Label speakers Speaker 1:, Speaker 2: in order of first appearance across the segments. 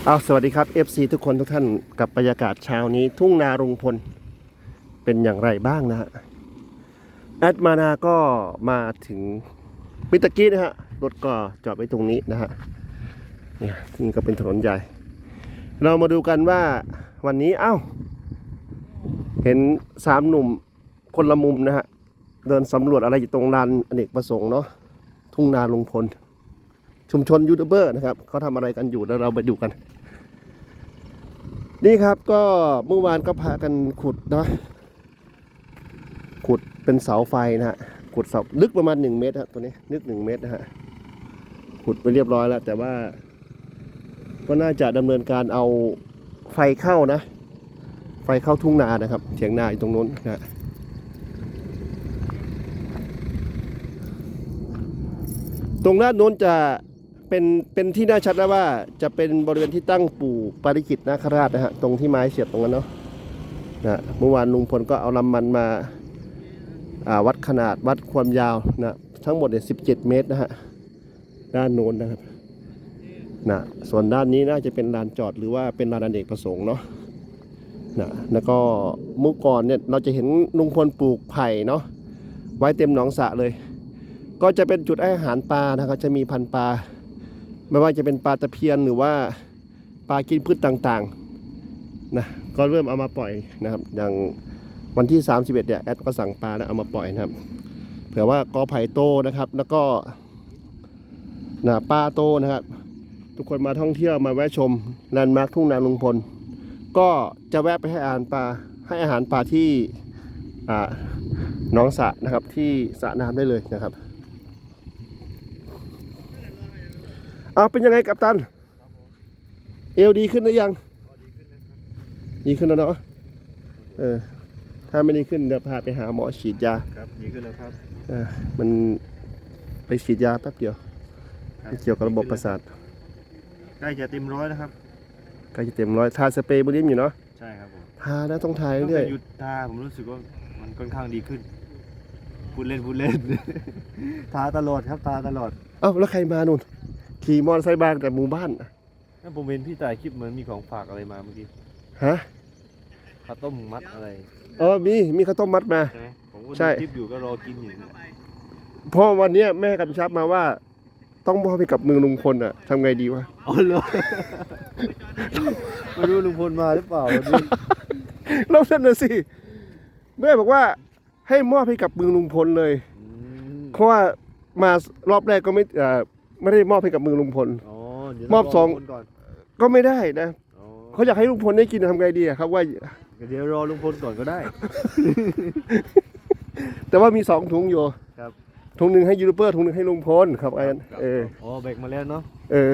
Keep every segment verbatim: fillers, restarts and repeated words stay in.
Speaker 1: เอาสวัสดีครับ เอฟ ซี ทุกคนทุกท่านกับบรรยากาศเช้านี้ทุ่งนาลุงพลเป็นอย่างไรบ้างนะฮะแอดมานาก็มาถึงมิตรกี้นะฮะรถก็จอดไว้ตรงนี้นะฮะเนี่ยนี่ก็เป็นถนนใหญ่ เรามาดูกันว่าวันนี้เอ้าเห็นสามหนุ่มคนละมุมนะฮะเดินสำรวจอะไรอยู่ตรงลานอเนกประสงค์เนาะทุ่งนาลุงพลชุมชนยูทูบเบอร์นะครับเขาทำอะไรกันอยู่แล้วเราไปดูกันนี่ครับก็เมื่อวานก็พากันขุดนะขุดเป็นเสาไฟนะฮะขุดเสาลึกประมาณหนึ่งเมตรครับตัวนี้ลึกหนึ่งเมตรนะฮะขุดไปเรียบร้อยแล้วแต่ว่าก็น่าจะดำเนินการเอาไฟเข้านะไฟเข้าทุ่งนานะครับเถียงนาอยู่ตรงนู้นนะตรงด้านโน้นจะเป็นเป็นที่น่าชัดแล้วว่าจะเป็นบริเวณที่ตั้งปู่ปาริจิตนาคราชนะฮะตรงที่ไม้เสียบตรงนั้นเนาะนะเมื่อวานลุงพลก็เอาลำมันมาวัดขนาดวัดความยาวนะทั้งหมดเนี่ยสิบเจ็ดเมตรนะฮะด้านโน้นนะครับนะส่วนด้านนี้น่าจะเป็นลานจอดหรือว่าเป็นลานอเนกประสงค์เนาะนะแล้วก็เมื่อก่อนเนี่ยเราจะเห็นลุงพลปลูกไผ่เนาะไว้เต็มหนองสระเลยก็จะเป็นจุดให้อาหารปลานะครับจะมีพันธุ์ปลาไม่ว่าจะเป็นปลาตะเพียนหรือว่าปลากินพืชต่างๆนะก็เริ่มเอามาปล่อยนะครับอย่างวันที่สามสิบเอ็ดเนี่ยแอดก็สั่งปลาแล้วเอามาปล่อยนะครับเผื่อว่ากอไผ่โตนะครับแล้วก็นะปลาโตนะครับทุกคนมาท่องเที่ยวมาแวะชมแลนด์มาร์คทุ่งนาลุงพลก็จะแวะไปให้อาหารปลาให้อาหารปลาที่หนองสระนะครับที่สระน้ำได้เลยนะครับเอาเป็นยังไงกัปตันเอวดีขึ้นหรือยังดีขึ้นแล้วเนาะเออถ้าไม่ดีขึ้นเดี๋ยวพาไปหาหมอฉีดยา
Speaker 2: ครับดีขึ้นแล้วครับ
Speaker 1: เออมันไปฉีดยาแป๊บเดียวเกี่ยวกับระบบประสาท
Speaker 2: ใกล้จะเต็มร้อยแล้วครับ
Speaker 1: ใกล้จะเต็มร้อยทาสเปรย์บนนี้อยู่เนาะ
Speaker 2: ใช่ครับผม
Speaker 1: ทาแล้วต้องทาเรื่อย
Speaker 2: ๆหยุดทาผมรู้สึกว่ามันค่อนข้างดีขึ้นพูดเล่นพูดเล่นทาตลอดครับทาตลอด
Speaker 1: เอ้าแล้วใครมานู่นขี่มอเตอร์ไซค์บางแต่หมู่บ้าน
Speaker 2: นั่นผมเห็นพี่ถ่ายคลิปเหมือนมีของฝากอะไรมาเมื่อกี้
Speaker 1: ฮะ
Speaker 2: ข้าวต้มมัดอะไร
Speaker 1: เออมีมีข้าวต้มมัดมา
Speaker 2: ใช่ไหมผมก็ดูคลิปอยู่ก็รอกินอยู่
Speaker 1: เพราะวันนี้แม่กำชับมาว่าต้องมอบให้กับมือลุงพลอ่ะทำไงดีวะ
Speaker 2: อ๋อเหรอไม่รู้ลุงพลมาหรือเปล่าวันนี้
Speaker 1: แล้วนั่นน่ะสิแม่บอกว่าให้มอบให้กับมือลุงพลเลยเพราะว่ามารอบแรกก็ไม่ไม่ได้มอบให้กับมือลุงพลมอบสองก็ไม่ได้นะเขาอยากให้ลุงพลได้กินทำไงดีครับว่า
Speaker 2: เดี๋ยวรอลุงพลก่อนก็ได้
Speaker 1: แต่ว่ามีสองถุงอยู่
Speaker 2: ครับ
Speaker 1: ถุงหนึ่งให้ยูทูบเบอร์ถุงหนึ่งให้ลุงพลครับไอ้เออ
Speaker 2: อ๋อแบกมาแล้วเนาะ
Speaker 1: เออ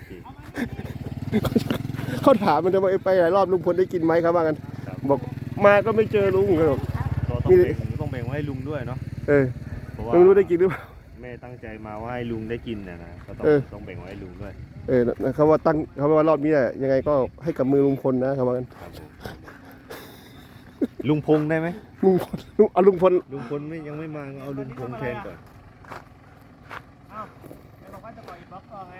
Speaker 1: เขาถามมันจะมาไปหลายรอบลุงพลได้กินไหมครับว่ากันบอกมาก็ไม่เจอลุงครับ
Speaker 2: ต้องแบ่งต้องแบ่งไว้ให้ลุงด้วยเนาะ
Speaker 1: เออไม่รู้ได้กินหรือเปล่า
Speaker 2: แม่ตั้งใจมาว่าให้ลุงได้กินนะนะก็ต้องต้องแบ่งไว้ให้ลุงด้วย
Speaker 1: เออเขาว่าตั้งเขาว่ารอบนี้แหละยังไงก็ให้กับมือลุงพลนะครับว่ากัน
Speaker 2: ลุงพงได้ไหม
Speaker 1: ลุงพลเอาลุงพล
Speaker 2: ลุงพลไม่ยังไม่มาเอาลุงพงแทนก่อน
Speaker 3: อ้าวไอ้บอกว่าจะปล่อยบล็อกก่อนไง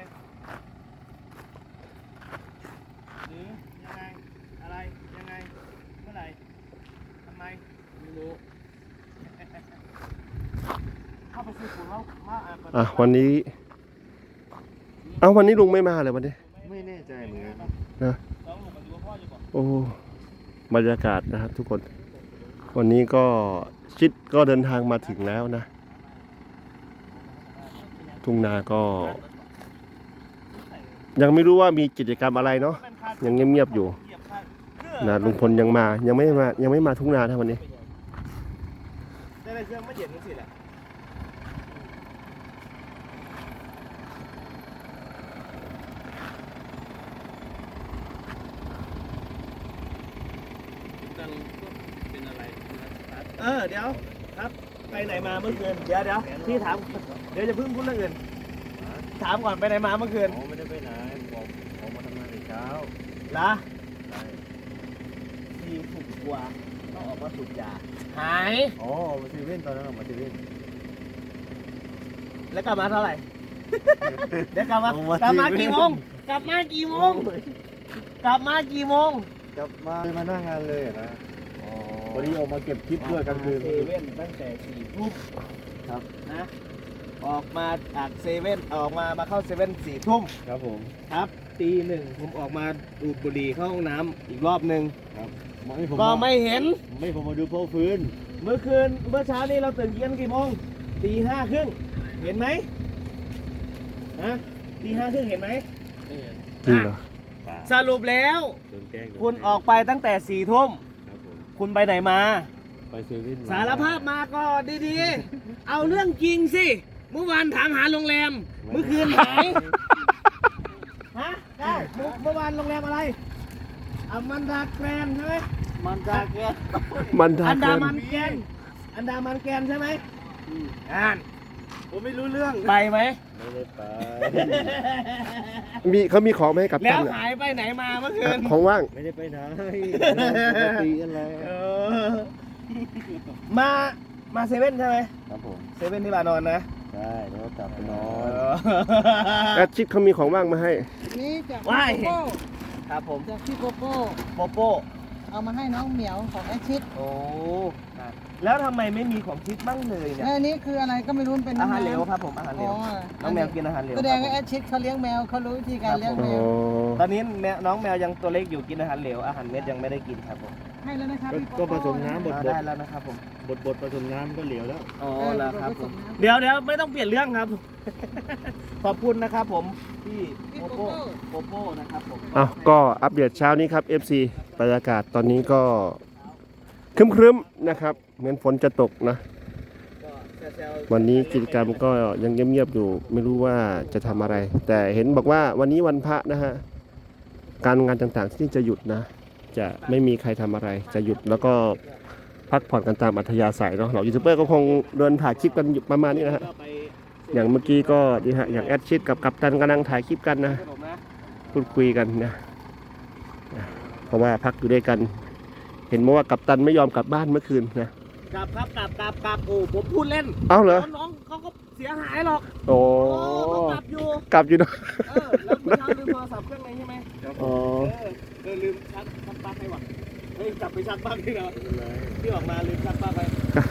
Speaker 3: หรือยังไงอะไรยังไงเมื่อไหร่ทำไมไม่รู้เข้าไปซื้อปุ๋ยแล้วมา
Speaker 1: อ่ะวันนี้เอาวันนี้ลุงไม่มาเลยวันนี้
Speaker 2: ไม่แน่ใจเหมือนกัน
Speaker 1: นะโอ้บรรยากาศนะครับทุกคนวันนี้ก็ชิดก็เดินทางมาถึงแล้วนะทุ่งนาก็ยังไม่รู้ว่ามีกิจกรรมอะไรเนาะยังเงียบๆอยู่นะลุงพลยังมายังไม่มายังไม่มาทุ่งนานะวันนี้
Speaker 3: ได้เครื่องไม่เย็นนั่นสิแหละเออเดี๋ยวครับไปไหนมาเมื่อคืนเดี๋ยวเดี๋ยวพี่ถามเดี๋ยวจะพึ่งพูดเรื่องอื่นถามก่อนไปไหนมาเมื่อคืน
Speaker 2: อ๋อไม่ได้ไปไหนผมผมมาทำงานแต่เช้า
Speaker 3: เหรอทีถูกกลัวต้องออกมาสูบยาหาย
Speaker 2: อ๋อมาซีเว่นตอนนั้นมาซีเว่น
Speaker 3: แล้วกลับมาเท่าไหร่เดี๋ยวกลับมากลับมากี่โมงกลับมากี่โมงกลับมากี่โมง
Speaker 2: กลับมามาหน้างานเลยนะวันนี้ออกมาเก็บคลิปด้วยกลางคืน
Speaker 3: เซเว่นตั้งแต่สี่ทุ่ม
Speaker 2: ครับ
Speaker 3: นะออกมาจากเซเว่นออกมามาเข้าเซเว่นสี่ทุ่ม
Speaker 2: ครับผม
Speaker 3: ครับตีหนึ่งผมออกมาดูดบุหรี่เข้าห้องน้ำอีกรอบหนึ่ง
Speaker 2: ครับไม่ผม
Speaker 3: ก็ไม่เห็น
Speaker 2: ไม่ผมมาดูโพลฟื้น
Speaker 3: เมื่อคืนเมื่อเช้านี้เราตื่นกันกี่โมงตีห้าครึ่งเห็นไหมฮะตีห้าครึ่งเห็นไหม
Speaker 1: จริงเหรอ
Speaker 3: สรุปแล้ว
Speaker 2: โดนแกล้งโดน
Speaker 3: คุณออกไปตั้งแต่สี่ทุ่ม
Speaker 2: ครับผม
Speaker 3: คุณไปไหนมา
Speaker 2: ไปเซเว่นม
Speaker 3: สารภาพมาก็ดีๆ เอาเรื่องจริงสิ เมื่อวานถามหาโรงแรม เมื่อคืนหายฮะได้เมื่อเมื่อวานโรงแรมอะไรอามันดาแกรนด์ใช่ไหมมันดาแกรน
Speaker 1: มันทา
Speaker 3: อันดา
Speaker 1: เกิน
Speaker 3: มันแกรนอันดามันแกรนใช่ไหมอ่าน
Speaker 2: ผมไม่รู้เรื่อง
Speaker 3: ไปไหม
Speaker 2: ไม่ได้ไป
Speaker 1: มีเขามีของมาให้กับ
Speaker 3: แล้
Speaker 1: ท่า
Speaker 3: วน
Speaker 1: อะ
Speaker 3: หายไปไหนมาเมื่อคืน
Speaker 1: ของว่าง
Speaker 2: ไม่ได้ไปไหนปกติอะไร
Speaker 3: เออมามาเซเว่นใช่ไหม
Speaker 2: ครับผม
Speaker 3: เซเว่นที่บานอนนะ
Speaker 2: ใช่แล้วก็กลับไปนอ
Speaker 3: เอน
Speaker 1: แอดชิดเขามีของว่างมาให้
Speaker 4: นี่จาก
Speaker 3: ว้า
Speaker 4: พี่
Speaker 3: ย
Speaker 4: โกโก้
Speaker 3: ครับผม
Speaker 4: จากพี่โกโก้
Speaker 3: โปโป้
Speaker 4: เอามาให้น้องเหมียวของแอชชิด
Speaker 3: โอ้แล้วทำไมไม่มีของทิพย์บ้างเลยเนี่ย
Speaker 4: และอันนี้คืออะไรก็ไม่รู้มันเป็น
Speaker 3: อาหาร
Speaker 4: น้ำ
Speaker 3: เหลวครับผมอาหารเหล
Speaker 4: อ๋
Speaker 3: ว
Speaker 4: อ
Speaker 3: น้องแมวกินอาหารเหลว
Speaker 4: แสดงว่า
Speaker 3: ค
Speaker 4: แอ
Speaker 3: รับผม
Speaker 4: ชชิดเขาเลี้ยงแมวเขารู้วิธีการเลี้ยง
Speaker 3: ครับ
Speaker 4: แม
Speaker 1: อ๋อ
Speaker 4: ว
Speaker 3: ตอนนี้แมวน้องแมวยังตัวเล็กอยู่กินอาหารเหลวอาหารเม็ดยังไม่ได้กินครับผม
Speaker 4: ให้แล้วนะครับพี่
Speaker 2: ก็
Speaker 4: โโ
Speaker 2: ผสมน้ำบด
Speaker 3: อ่า
Speaker 2: บด
Speaker 3: ได้แล้วนะครับผม
Speaker 2: บดบดผสมน้ำก็เหลวแล้ว
Speaker 3: อ๋อแล้วครับผมเดี๋ยวเดี๋ยวไม่ต้องเปลี่ยนเรื่องครับ ขอบคุณนะครับผมพี่
Speaker 4: พี่
Speaker 3: โป
Speaker 4: โก
Speaker 3: โป้
Speaker 4: โก้
Speaker 3: โปโป้นะครับผม
Speaker 1: อ้าวก็อัปเดตเช้านี้ครับ เอฟ ซี บรรยากาศตอนนี้ก็ครึ้มๆนะครับ เหมือนฝนจะตกนะ
Speaker 3: ก็แซวๆ
Speaker 1: วันนี้กิจกรรมก็ยังเงียบๆอยู่ ไม่รู้ว่าจะทำอะไร แต่เห็นบอกว่าวันนี้วันพระนะฮะ การงานต่างๆที่จะหยุดนะ จะไม่มีใครทำอะไร จะหยุดแล้วก็พักผ่อนกันตามอัธยาศัยเนาะเหล่ายูทูบเบอร์ก็คงเดินถ่ายคลิปกันอยู่ประมาณนี้นะฮะ
Speaker 3: ก็ไป
Speaker 1: อย่างเมื่อกี้ก็ดีฮะ อย่างแอดชิดกับกัปตันกำลังถ่ายคลิปกันนะ
Speaker 3: ขนมนะ
Speaker 1: พูดคุยกันนะอ่ะเพราะว่าพักอยู่ด้วยกัน เห็นมาว่ากัปตันไม่ยอมกลับบ้านเมื่อคืนนะ
Speaker 3: กลับครับกลับกลับกลับโอ้ผมพูดเล่น
Speaker 1: เอ้าเหรอ
Speaker 3: น้องเขาก็เสียหายหรอก
Speaker 1: โอ้
Speaker 3: โอ้เขากลับอยู่
Speaker 1: กลับอยู่เนอะ
Speaker 3: เออแล้วเมื่อเช้าลืมโทรศัพท์เครื่องไหนใช่ไหม
Speaker 1: อ๋อ
Speaker 3: เออเออลืมชักชักปลั๊กให้ว่ะเฮ้ยกลับไปชักปลั๊กที่เราที่ออกมาลืมชักปลั๊กไป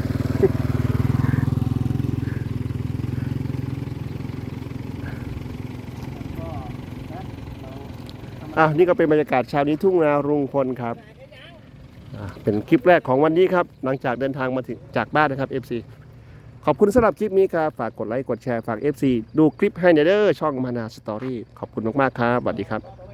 Speaker 3: ก็นะเราทำ
Speaker 1: อ่ะนี่ก็เป็นบรรยากาศเช้านี้ทุ่งนารุงพลครับอ่ะเป็นคลิปแรกของวันนี้ครับ หลังจากเดินทางมาถึงจากบ้านนะครับ เอฟ ซี ขอบคุณสำหรับคลิปนี้ครับ ฝากกดไลค์กดแชร์ฝาก เอฟ ซี ดูคลิปให้เนเดอร์ช่องมานาสตอรี่ขอบคุณมากๆครับสวัสดีครับ